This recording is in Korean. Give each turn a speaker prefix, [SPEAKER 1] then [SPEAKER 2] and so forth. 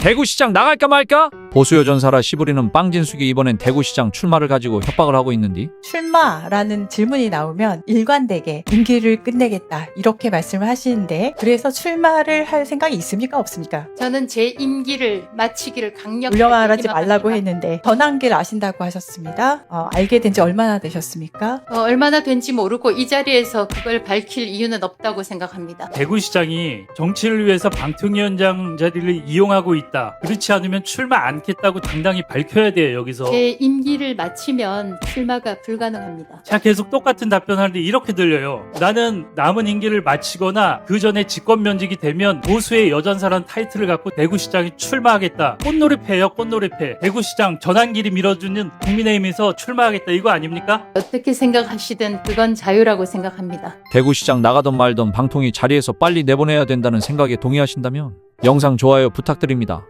[SPEAKER 1] 대구시장 나갈까 말까? 보수 여전사라 시부리는 빵진숙이 이번엔 대구시장 출마를 가지고 협박을 하고 있는디.
[SPEAKER 2] 출마라는 질문이 나오면 일관되게 임기를 끝내겠다 이렇게 말씀을 하시는데, 그래서 출마를 할 생각이 있습니까 없습니까?
[SPEAKER 3] 저는 제 임기를 마치기를 강력하게
[SPEAKER 2] 물려 말하지 말라고
[SPEAKER 3] 희망합니다.
[SPEAKER 2] 했는데 전환기를 아신다고 하셨습니다. 알게 된 지 얼마나 되셨습니까?
[SPEAKER 3] 얼마나 된지 모르고 이 자리에서 그걸 밝힐 이유는 없다고 생각합니다.
[SPEAKER 4] 대구시장이 정치를 위해서 방통위원장 자리를 이용하고 있다. 그렇지 않으면 출마 않겠다고 당당히 밝혀야 돼요, 여기서.
[SPEAKER 3] 제 임기를 마치면 출마가 불가능합니다.
[SPEAKER 4] 제가 계속 똑같은 답변하는데 이렇게 들려요. 나는 남은 임기를 마치거나 그 전에 직권 면직이 되면 보수의 여전사란 타이틀을 갖고 대구시장에 출마하겠다. 꽃놀이패예요, 꽃놀이패. 대구시장 전환길이 밀어주는 국민의힘에서 출마하겠다, 이거 아닙니까?
[SPEAKER 3] 어떻게 생각하시든 그건 자유라고 생각합니다.
[SPEAKER 1] 대구시장 나가던 말던 방통위 자리에서 빨리 내보내야 된다는 생각에 동의하신다면 영상 좋아요 부탁드립니다.